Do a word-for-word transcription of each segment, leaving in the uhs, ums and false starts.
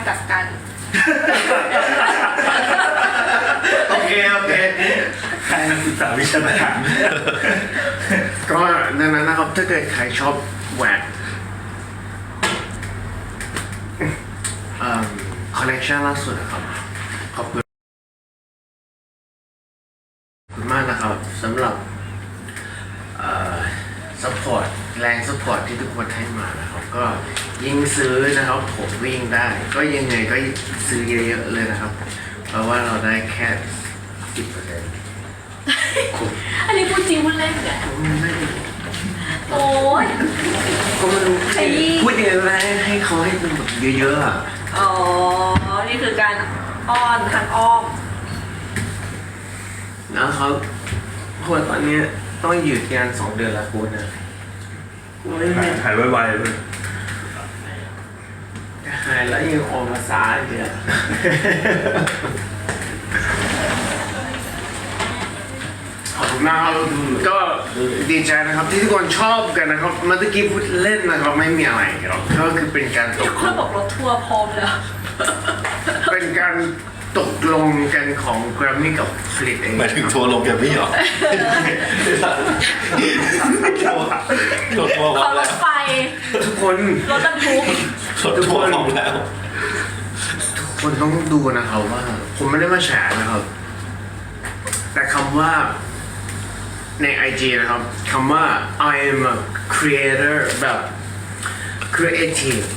กักกันโอเคโอเคใครนักศึกษาวิชาการก็ดังนั้นนะครับถ้าเกิดใครชอบแหวนคอลเลคชันล่าสุดนะครับขอบคุณมากนะครับสำหรับซัพพอร์ตแรงซัพพอร์ตที่ทุกคนให้มานะครับก็ยิ่งซื้อนะครับผมวิ่งได้ ก็ยังไงก็ซื้อเยอะๆเลยนะครับ เพราะว่าเราได้แค่สิบเปอร์เซ็นต์อันนี้พูดจริงพูดเล่นเนี่ยโอ้ยก็ไม่รู้ไอ้ยี่พูดยังไงก็ได้ให้เขาให้มันแบบเยอะๆอ่ะอ๋อ นี่คือการอ้อนทางอ้อมแล้วเขาโหตอนนี้ต้องหยุดงานสองเดือนละคุณนะไม่ไม่หายไวๆเลยหายแล้วยังออกมาสายอีกอ่ะขอบคุณมากครับก็ดีใจนะครับที่ทุกคนชอบกันนะครับเมื่อกี้พูดเล่นนะครับไม่มีอะไรครับก็คือเป็นการตทุกกคนบอกรถทัวร์พร้อมแล้วเป็นการตกลงกันของแกรมมี่กับฟลิปเองหมายถึงทัวร์ลงแกมมี่เหรอทัวร์ทัวร์พร้อเขามรแล้วถไฟทุกคนรถบรรทุกทัวร์พร้อมแล้วทุกคนต้องดูนะครับว่าผมไม่ได้มาแฉนะครับ แต่คำว่าใน ไอ จี นะครับคำว่า I am a creator แบบ creative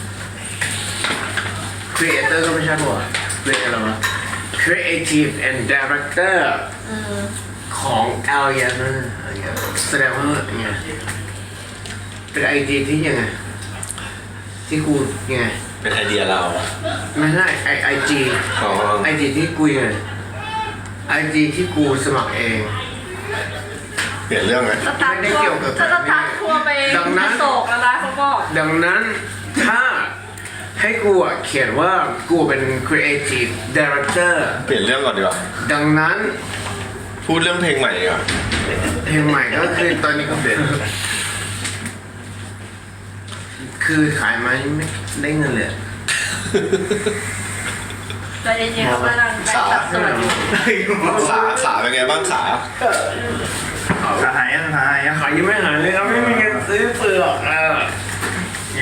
creator ก็ไม่ใช่หัวเรียกอะไรวะ creative and director ของ a l i a n a อะไรเงี้ยแสดงว่าไงเป็น ไอ จี ที่ยังไงที่กูยังไงเป็นไอเดียเราไม่ใช่ไอไอจีอ๋อไอจีที่กูยังไงไอจีที่กูสมัครเองเปลี่ยนเรื่องไหมสตาร์ทไม่ได้ทัวเกี่ยวร์กับถ้าสตาร์ททัวร์ไปดังนั้นโศกแล้วนะเขาบอกดังนั้นถ้าให้กูอ่ะเขียนว่ากูเป็น creative director เปลี่ยนเรื่องก่อนดีกว่าดังนั้นพูดเรื่องเพลงใหม่ดีกว่าเพลงใหม่ก็คือตอนนี้ก็เป็นคือขายมาไม่ได้เงินเลยใจเย็นๆเขากำลังไปตัดสนุนขาขาเป็นไงบ้างขาหายยังหายยังขายยังไม่หายเลยครับไม่มีเงินซื้อเปลือกอ่ะเนี่ย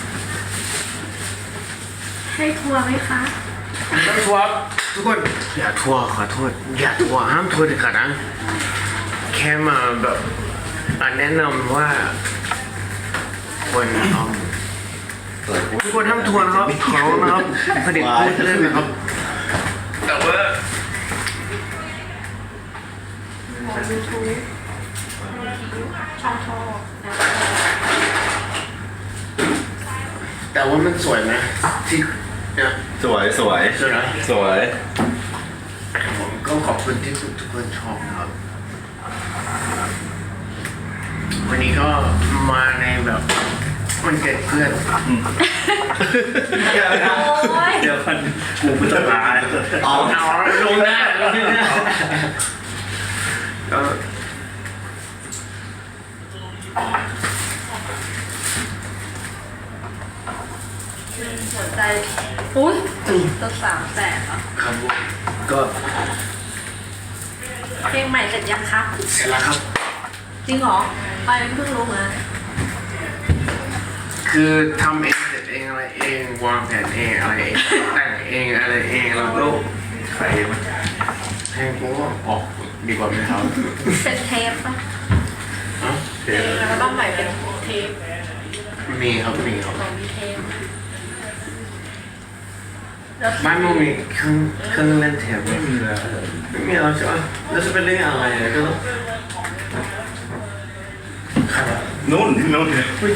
ให้ทัวร์ไหมคะต้องทัวร์ทุกคนอย่าทัวร์ขอโทษอย่าทัวร์ห้ามทัวร์เด็ดขาดนะแค่มาแบบอ่ะแนะนำว่าควรเอาทุกคนห้ามทัวร์นะครับขอร้องนะครับผลิตพูดเล่นนะครับแต่ว่ายูทูบช่องชอบนะแต่ว่ามันสวยไหมที่เนี่ยสวยสวยสวยนะสวยผมก็ขอบคุณที่ทุกทุกคนชอบนะครับวันนี้ก็มาในแบบมันเกิดเพื่อนโอ้ยเดี๋ยวมันกูไม่ต้องลาเอาเอาลงหน้าลงหน้าก็หัวใจอุ้ยจะสามแสนเหรอครับผมก็เพลงใหม่เสร็จยังคะเสร็จแล้วครับจริงเหรอ ไปเพิ่งรู้มาคือทำเองเสร็จเองอะไรเองวางแผนเองอะไรเองแต่งเองอะไรเองแล้วก็ใครมันเพลงกูก็ออกดีกว่าไหมครับเป็นเทปปะฮะเพลงแล้วก็ต้องใหม่เป็นเทปมีครับมีครับของมีเทปแล้วบ้านมึงมีเครื่องเครื่องเล่นเทปไหมไม่มีแล้วไม่มีแล้วใช่ไหมแล้วจะเป็นเรื่องอะไรอะก็ต้องครับนู่นนู่นอุ้ย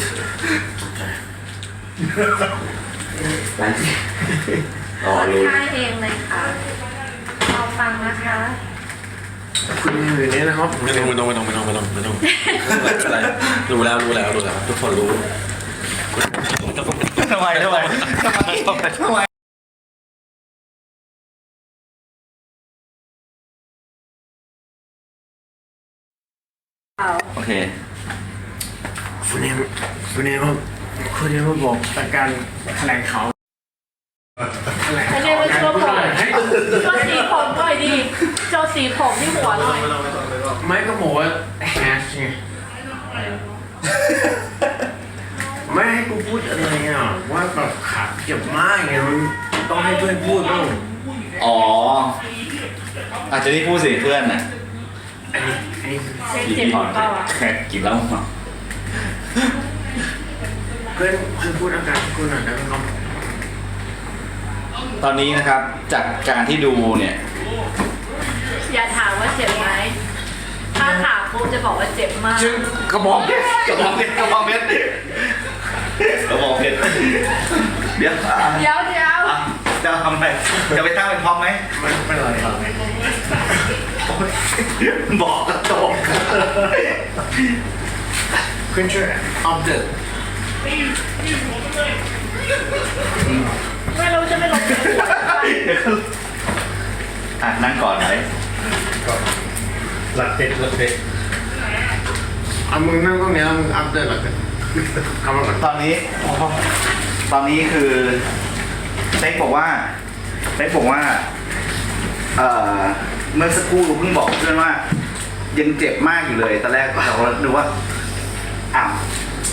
ร้านที่อ๋อคนรู้ค่ายเองเลยค่ะรอฟังนะคะคุณอยู่นี่นะครับไม่ต้องไม่ต้องไม่ต้องไม่ต้องไม่ต้องไม่ต้องไม่เป็นไรรู้แล้วรู้แล้วรู้แล้วทุกคนรู้ทำไมทำไมทำไมทำไมโอเคคุณเอมคุณเอมครับคุณเอมมาบอกแต่การแถลงข่าวมาโชว์ผมโชว์สีผมหน่อยดิโชว์สีผมที่หัวหน่อยไม่ก็บอกว่าแฮชไงไม่ให้กูพูดอะไรอ่ะว่าแบบขาเจ็บมากไงมันต้องให้เพื่อนพูดบ้างอ๋ออาจจะได้พูดสิเพื่อนน่ะอันนี้อันนี้เจ็บเจ็บเปล่าอ่ะแค่กินแล้วเพื่อนเพื่อนพูดอาการกูหน่อยได้ไหมครับตอนนี้นะครับจากการที่ดูเนี่ยอย่าถามว่าเจ็บไหมถ้าถามปุ๊บจะบอกว่าเจ็บมากจึงกระบอกเพชรกระบอกเพชรกระบอกเพชรกระบอกเพชรเดี๋ยวเดี๋ยวเดี๋ยวอ่ะจะทำอะไรจะไปตั้งเป็นพร้อมไหมไม่เป็นไรครับบอกกระโจกคุณช่วยอัปเดตไม่รู้จะไม่ลงอ่ะนั่งก่อนไหมหลักเด็ดหลักเด็ดเอามึงนั่งตรงนี้แล้วมึงอัปเดตหรอกันคำว่าก่อนตอนนี้ตอนนี้คือเป๊กบอกว่าเป๊กบอกว่าเอ่อเมื่อสักครู่เพิ่งบอกเพื่อนว่า ยังเจ็บมากอยู่เลยตอนแรกเราก็ดูว่าอ้าว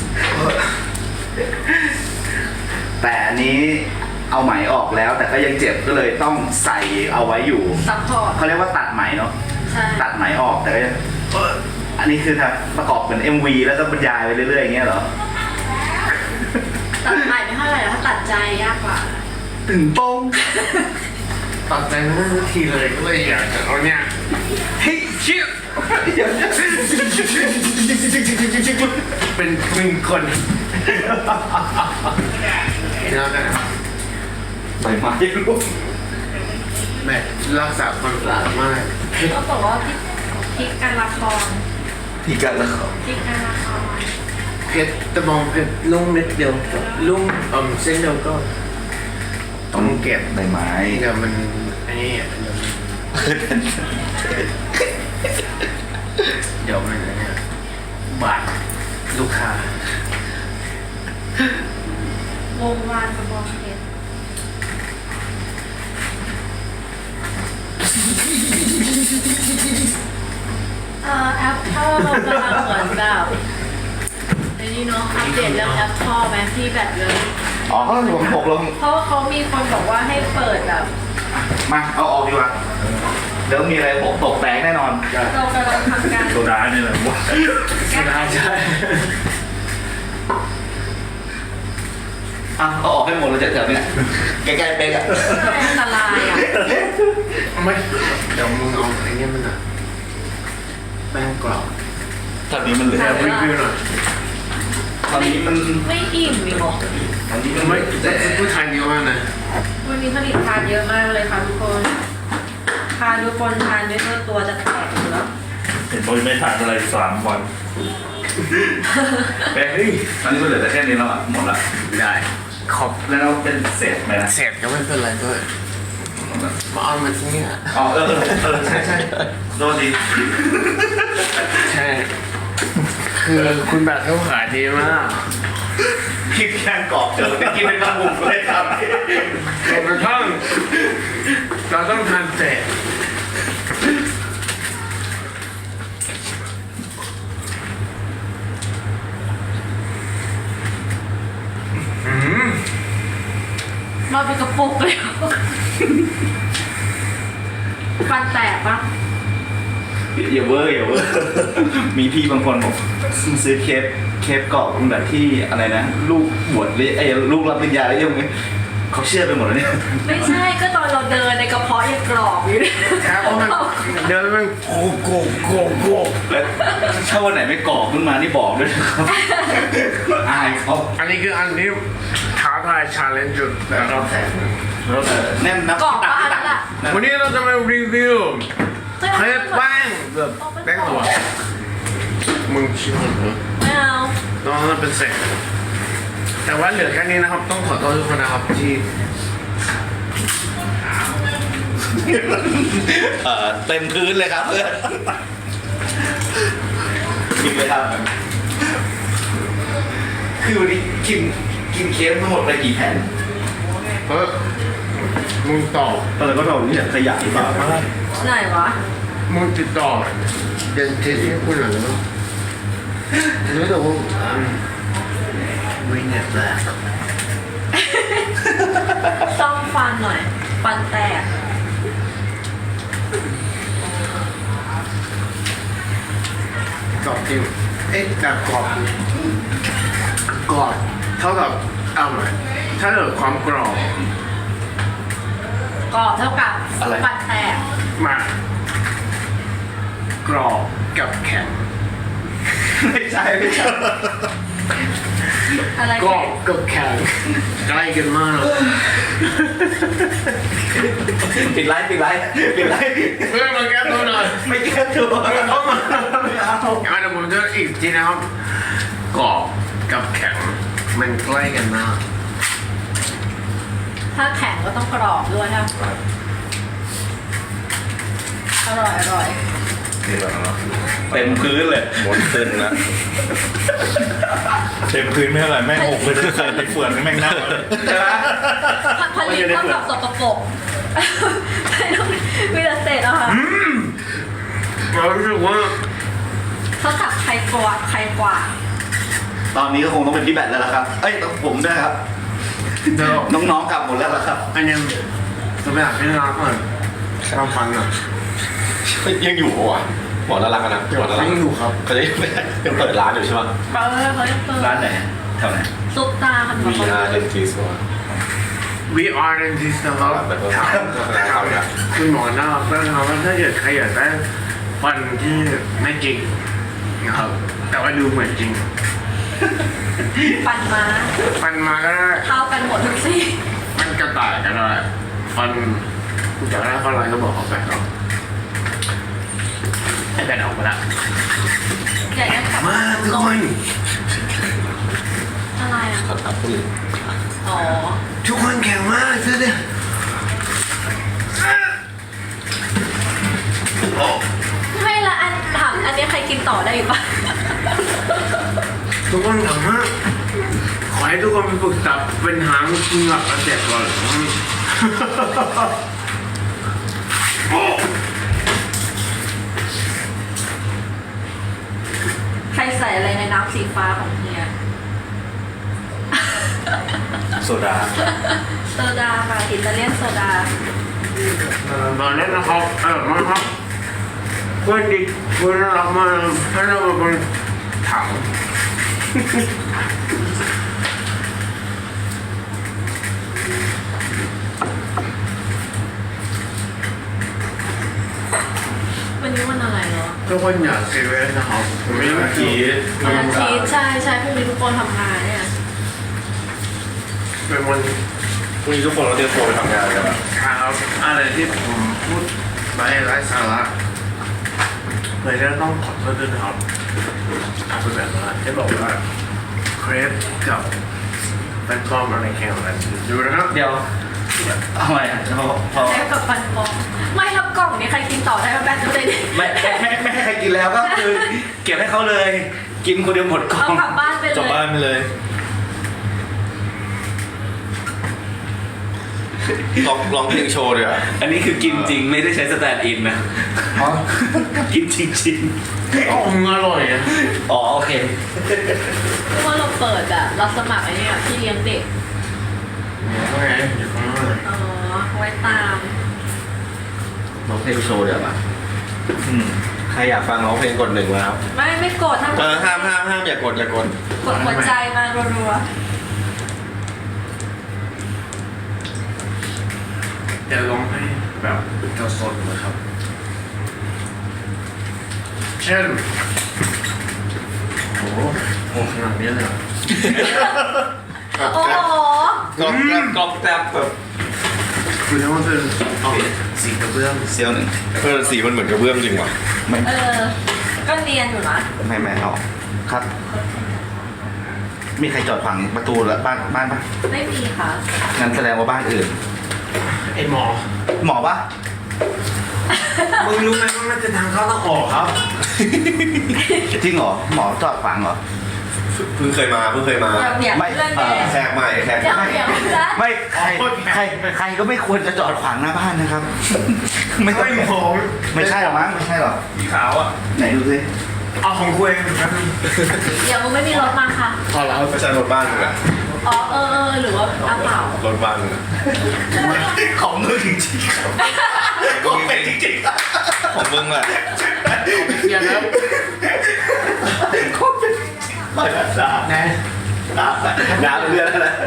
แต่อันนี้เอาไหมออกแล้ว แต่ก็ยังเจ็บก็เลยต้องใส่เอาไว้อยู่ซัพพอร์ตเขาเรียกว่าตัดไหมเนาะใช่ตัดไหมออกแต่ก็ยังเอ่ออันนี้คือถ้าประกอบเป็น เอ็ม วี แล้วก็บรรยายไปเรื่อยๆอย่างเงี้ยเหรอตัดใหม่ไม่เท่าไหร่ถ้าตัดใจยากกว่าตึงโป้งตัดใจไม่ได้สักทีเลยก็เลยอยากจะเอาเนี่ยเฮ้ยเชี่ยเป็นหนึ่งคนแล้วกันใส่มาที่รูปแม่รักษาความสะอาดมากก็บอกว่าพี่พลิกการละครที่กันแล้วพลิกการละครเพชรตะมองเพชรลุ่งนิดเดียวลุ่งอ่อมเส้นเดียวก็ต้องเก็บใบไม้เดี๋ยวมันอันนี้อ่ะเดี๋ยวมันเดี๋ยวมันอันเนี่ยบาดลูกค้าวงวานกระบองเพชรเอ่อแอปพ่อกำลังเหมือนแบบในนี้เนาะอัปเดตเรื่องแอปพ่อแมที่แบบเลยอ๋อเขาผมหกลงเพราะว่าเขามีคนบอกว่าให้เปิดแบบมาเอาออกดีกว่าเดี๋ยวมีอะไรหกตกแตกแน่นอนเรากำลังทำการโซดาเนี่ยแหละวะใช่ใช่อ่ะเอาออกให้หมดเลยจากแถวเนี้ยใกล้ๆเป๊กอะอันตรายอ่ะไม่เดี๋ยวมึงเอาไอ้เนี่ยมันอ่ะแป้งกรอบตอนนี้มันเหลือแอบรีวิวหน่อยตอนนี้มันไม่อิ่มอีกหรอตอนนี้มันไม่ไม่แต่ผู้ชายเยอะมากนะวันนี้ผลิตทานเยอะมากเลยค่ะทุกคนทานทุกคนทานด้วยตัวจะแตกอยู่แล้วเห็นบอกไม่ทานอะไรสามวันเป๊กเฮ้ยตอนนี้มันเหลือแต่แค่นี้แล้วอ่ะหมดละได้ขอบแล้วเราเป็นเศษไหมนะเสร็จก็ไม่เป็นไรด้วยมาเอามาที่นี่อ่ะอ๋อเออเออเออใช่ใช่โทษทีใช่คือคุณแบบเขาขายดีมากคิดแค่กรอบเจอกินเป็นกระปุกเลยครับเราต้องเราต้องทานเสร็จมาเป็นกระปุกเลยฟันแตกปะอย่าเวอร์อย่าเวอร์มีพี่บางคนบอกซื้อเคปเคปเกาะแบบที่อะไรนะลูกบวชหรือไอ้ลูกรับปริญญาแล้วยังไงเขาเชื่อไปหมดแล้วเนี่ยไม่ใช่ก็ตอนเราเดินในกระเพาะยังกรอบอยู่เลยครับมันเดี๋ยวมันโกโกโกโกแล้วถ้าวันไหนไม่กรอบขึ้นมานี่บอกด้วยนะครับอายเขาอันนี้คืออันที่ท้าทายชาเลนจ์จุดนะครับแล้วแน่นนับกรอบตักปะอันตันั้นกอะวันนี้เราจะมารีวิวเคล็ดแป้งแบบแป้งตัวมึงชิมเหรอไม่เอาน้องมันเป็นเศษแต่ว่าเหลือแค่นี้นะครับ ต้องขอโทษทุกคนนะครับที่เอ่อเต็มพื้นเลยครับเพื่อนกินเลยครับคือวันนี้กินกินเค้กทั้งหมดไปกี่แผ่นเพราะมึงตอบตอนนั้นก็เราเนี่ยขยะหรือเปล่าไหนวะมึงติดต่อเดนทิสให้คุณหน่อยนะรู้แต่ว่าวินเน็ตแรกซ่อมฟันหน่อย ฟันแตกกรอบจริงเอ๊ะแต่กรอบกรอบเท่ากับเอาไหมถ้าเกิดความกรอบกรอบเท่ากับฟันแตกมากกรอบกับแข็งไม่ใช่ไม่ใช่อะไรกรอบกับแข็งใกล้กันมากปิดไลฟ์ปิดไลฟ์ปิดไลฟ์เพื่อนมาแก้ตัวหน่อยไม่แก้ตัวเข้ามาไม่เอาอ่ะเดี๋ยวผมจะอีกทีนะครับกรอบกับแข็งมันใกล้กันมากถ้าแข็งก็ต้องกรอบด้วยครับอร่อยอร่อยเต็มพื้นเลยหมดเส้นนะเต็มพื้นไม่เท่าไหร่แม่งหกพื้นใส่ในเฟือนแม่งเน่าเลยใช่ไหมผลิตเท่ากับสกปรกไม่ต้องมีแต่เศษอะค่ะเรารู้สึกว่าเท่ากับใครกวาดใครกวาดตอนนี้ก็คงต้องเป็นพี่แบทแล้วล่ะครับเอ้ยต้องผมด้วยครับเดี๋ยวน้องๆกลับหมดแล้วล่ะครับอันนี้จะไปหาพี่น้องก่อนความฟังอ่ะยังอยู่ปะวะหมอน่ารักอะนะหมอน่ารักยังอยู่ครับเขาจะยังเปิดร้านอยู่ใช่ปะเปิดเขายังเปิดร้านไหนแถวไหนซุปตาคันวีนาเดนทิสวะ We are dentist นะครับถามถามคุณหมอน่ารักมากนะครับว่าถ้าเกิดใครอยากได้ฟันที่ไม่จริงนะครับ แต่ว่าดูเหมือนจริงฟันมาฟันมาก็ได้เข้ากันหมดทุกซี่ฟันกระต่ายก็ได้ฟันอยากได้ฟันอะไรก็บอกเขาไปครับไอ้แบนออกมาละใหญ่กันกลับมาทุกคนอะไรอ่ะครับครับคุณอ๋อทุกคนแข็งมากเสื้อเนี่ยโอ้ไม่ละอันถามอันนี้ใครกินต่อได้อีกปะทุกคนแข็งมากขอให้ทุกคนไปฝึกตับเป็นหางกินหลักกระเจ็บก่อนโอ้ใครใส่อะไรในน้ำสีฟ้าของเฮียโซดาโซดาค่ะอิตาเลียนโซดาตอนนี้นะครับเออมาครับเพื่อนดิเพื่อนรักมากให้เราเป็นถังวันนี้วันอะไรเนาะทุกคนอย่าเสียเวลานะครับผมไม่ได้คิดวันอาทิตย์ใช่ใช่พรุ่งนี้ทุกคนทำงานเนี่ยเป็นวันพรุ่งนี้ทุกคนเราเตรียมตัวไปทำงานกันอะครับอะไรที่ผมพูดไปไร้สาระเลยจะต้องขอโทษด้วยนะครับอาจจะแบบว่าจะบอกว่าเครปกับเป็นกล้อมอะไรแข่งกันดูนะครับเดี๋ยวเอาใหม่อ่ะพอพอใช้กับฟันปลอมไม่แล้วกล่องนี้ใครกินต่อได้ไหมแบทดูเลยดิไม่ไม่ไม่ให้ใครกินแล้วก็คือเก็บให้เขาเลย กินคนเดียวหมดกล่อเอางกลับบ้านไปจบเลบ้าย นไปเลยลองลองเพลงโชว์ดีกว่าอันนี้คือกินจริงไม่ได้ใช้สแตนด์อินนะกินจริงอ๋อมึงอร่อยนะๆอ๋อโอเคเพราะว่าเราเปิดอะเราสมัครไอ้นี่อะพี่เลี้ยงเด็กโอเคเดี๋ยวข้างหน้าอ๋อไว้ตามร้องเพลงโชว์เดี๋ยวป่ะอืมใครอยากฟังร้องเพลงกดหนึ่งมาครับไม่ไม่กดถ้าเออห้ามห้ามห้ามอย่ากดอย่ากดกดหัวใจมารัวเดี๋ยวลองให้แบบจะสดนะครับเช่นโอ้โหโอ้ขนาดนี้เลยเหรอๆโอ้โหกรอบแกรบกรอบแกรบแบบคือถ้ามันเป็นเอาสีกระเบื้องเซียวหนึ่งเออสีมันเหมือนกระเบื้องจริงว่ะไม่เออ ก็เนียนอยู่นะไม่ไม่เอาครับ มีใครจอดฝังประตูแล้วบ้านบ้านปะไม่มีค่ะงั้นแสดงว่าบ้านอื่นไอ้หมอหมอปะมึงรู้ไหมว่ามันจะทางเข้าทางออกครับจริงเหรอหมอจอดฝังเหรอเพิ่งเคยมาเพิ่งเคยมาอย่าเบียดไม่เพื่อนเอ่เด็อแขกใหม่แขกอย่าใหม่เบียดเพื่อนไม่ใครใครใครก็ไม่ควรจะจอดขวางหน้าบ้านนะครับ ไม่ต้องไม่มองไม่ใช่หรอมั้งไม่ใช่หรอสีขาวอ่ะไหนดูสิเอาของกูเองครับเดี๋ยวมึงไม่มีรถมาค่ะพอแล้วไม่ใช่รถบ้านมึงอะอ๋อเออเออหรือว่าเอาเปล่ารถบ้านมึงอะของมือจริงๆของเป็นจริงของมึงแหละเดี๋ยวนะๆของเป็นไม่ได้นะน้ำน้ำเรือแล้วนะ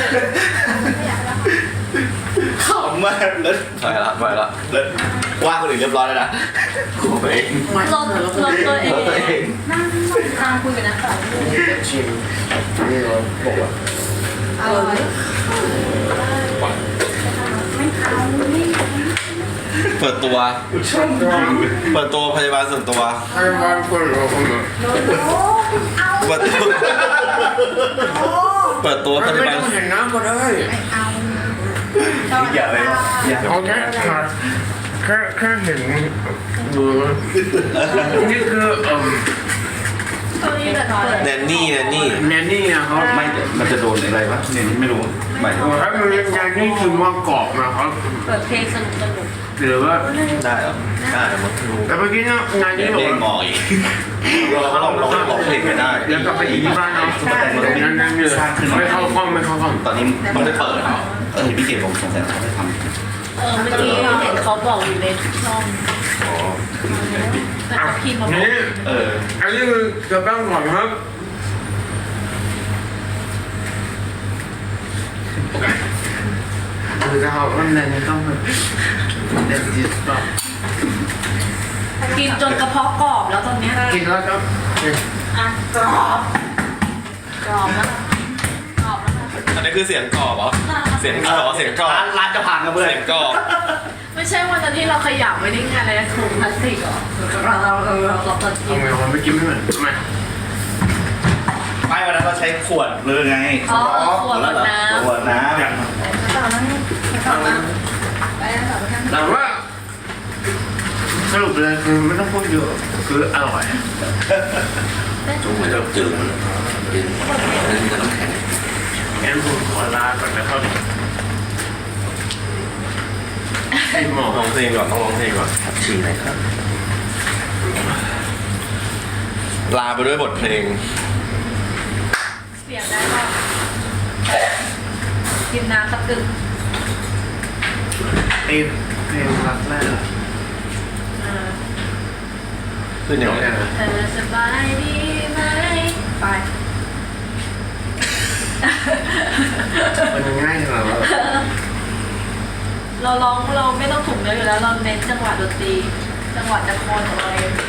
ขำมากแล้วไปละไปละแล้วว่าคนอื่นเรียบร้อยแล้วนะกูเองรถรถตัวเองรถตัวเองนั่งนั่งคุยกันนะต่อชิมนี่เราบอกว่าอร่อยเปิดตัวชอบจริงเปิดตัวพยาบาลส่วนตัวให้บ้านคนเราคนละเปิดตัวเปิดตัวพไม่ยาบาลต้องเห็นน้ำก็ได้อย่าเลยอย่าเอาแค่แค่แค่เห็นมือนี่คือเอ่อตัวนี้แบบเปิดแนนนี่แนนนี่แนนนี่อะครับไม่เดี๋ยวมันจะโดนอะไรวะเนี่ยไม่รู้หมายถึงว่าถ้ามันเป็นแนนนี่คือว่ากรอบนะครับเปิดเพลงสนุกสนุกหรือว่าได้เหรอได้มั้งรู้แต่เมื่อกี้เนี่ยงานนี้เดี๋ยวบอกเด้งว่างออีกเราเราเราร้องเพลงไม่ได้แล้วกลับไปอีกที่บ้านเนาะนั่นนั่นเลยไม่เข้ากล้องไม่เข้ากล้องตอนนี้มันไม่เปิดเออพี่เกดผมสงสัยเขาไม่ทำเออเมื่อกี้เห็นเขาบอกอยู่ในช่องแต่เขาพิมพ์มาบอกนี่เอออันนี้คือจะแป้งก่อนครับคือจะเอาอันนั้นต้องแบบเด็ดจิตต่อกินจนกระเพาะกรอบแล้วตอนเนี้ยกินแล้วครับอ่ะกรอบกรอบแล้วนะกรอบแล้วนะอันนี้คือเสียงกรอบเหรอเสียงกรอบเสียงกรอบร้านร้านจะพังนะเพื่อนเสียงกรอบไม่ใช่วันนั้นที่เราขยับไว้ในงานอะไรนะถุงพลาสติกเหรอเราเราเราเราเราตอนกินทำไมคนไม่กินไม่เหมือนทำไมไม่วันนั้นเราใช้ขวดเลยไงอ๋อขวดน้ขวดน้ำำต่อแล้วนี่ต่อแล้วไปแล้วต่อไปกันแต่ว่าสรุปเลยคือไม่ต้องพูดเยอะคืออร่อยจุ่มเหมือนกับจืดมันกินนั่นคือน้ำแข็งงั้นผมขอลาก่อนนะครับไอ้หมอร้องเพลงก่อนต้องร้องเพลงก่อนฉี่ไหนครับ ลาไปด้วยบทเพลงเสียงได้ป่ะกินน้ำสักกึ่งไอ้เพลงรักแรกอ่าขึ้นยังไงเธอสบายดีไหมไปมันง่ายเหรอเราร้องเราไม่ต้องถูกเนื้ออยู่แล้วเราเน้นจังหวะดนตรีจังหวะจะคอนของเราเอง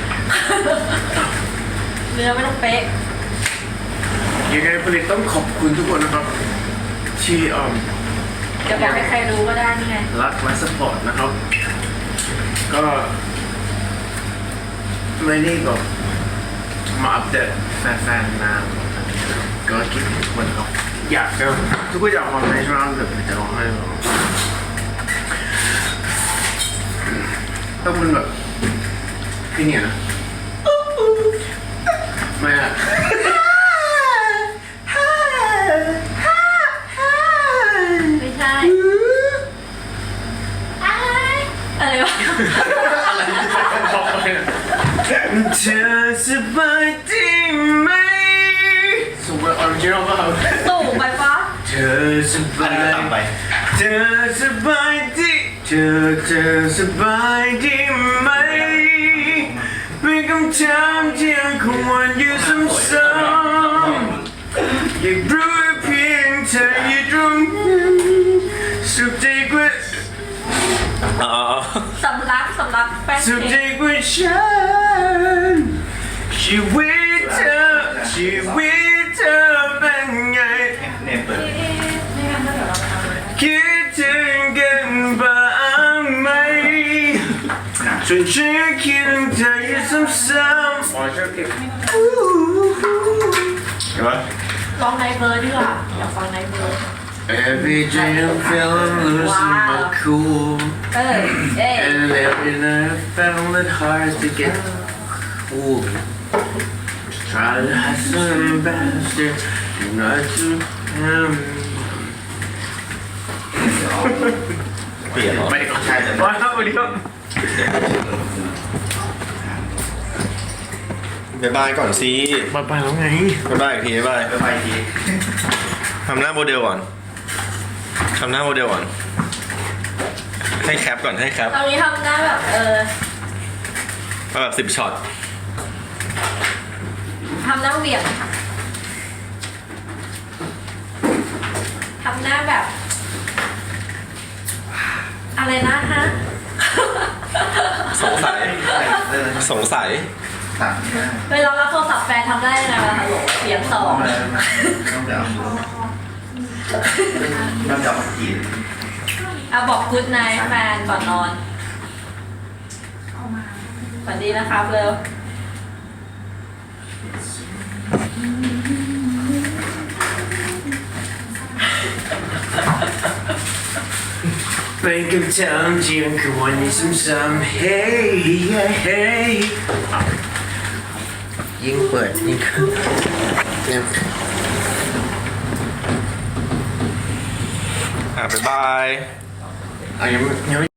เนื้อไม่ต้องเป๊ะยังไงผลิตต้องขอบคุณทุกคนนะครับ ที่เอ่อจะบอกให้ใครรู้ก็ได้นี่ไงรักและสปอร์ตนะครับ ก็ไม่ได้แบบมาอัปเดตแฟนๆนานก็คิดถึงทุกคนครับอยากจะทุกคนอยากฟังในช่วงแบบจะร้องไห้แบบต้องเป็นแบบพี่เนี่ยนะไม่อะไม่ใช่อะไรวะเธอสบายดีไหมสมมติออริจินอลป่ะสูงไปปะเธอสบาอันนี้ก็ยต่ำไปเธอสบายดีเธอเธอสบายดีไหมมีคำถามที่ยังคงวนอยู่ซ้ำๆอยากรู้เพียงเธออยู่ตรงนั้นสุขใจกว่าอ๋อสำลักสำลักแป้งสุขใจเค้กกว่าฉันชีวิตเธอชีวิตเธอเป็นไงเนี่ยเปิดไม่งั้นก็เดี๋ยวเราไปทำเลยคิดถึงกันบ้างไหมจนฉันคิดถึงเธออยู่ซ้ำๆอ๋อชอบเก็บเห็นปะร้องไนท์เบิร์ดดีกว่าอยากฟังไนท์เบิร์ด Every day I'm feeling losing my cool เออเอ๊ะ And every night I found it hard to get cool try to have some bastard not to him เปลี่ยนเหรอไปก่อนใช่เลยว้าวสวัสดีครับบายบายก่อนสิมาไปแล้วไงบายบายอีกทีบายบายไปไปทีทำหน้าโมเดลก่อนทำหน้าโมเดลก่อน ให้แคปก่อนให้แคปตอนนี้ทำหน้าแบบเออเอาแบบสิบช็อตทำหน้าเหวี่ยงค่ะทำหน้าแบบ อะไรนะฮะสงสัย สงสัยสั่งได้เวลารับโทรศัพท์แฟนทำได้ยังไงล่ะฮัลโหลเสียงสองต้องเดี๋ยวต้องเดี๋ยวมากินอ่ะบอกกู๊ดไนท์แฟนก่อนนอนฝันดีนะครับเร็วเป็นคำถามที่ยังคงวนอยู่ซ้ำๆ Hey yeah hey ยิ่งเปิดยิ่งขึ้นเนี่ยอ่ะบ๊ายบายอ่ะยังไม่ยังไม่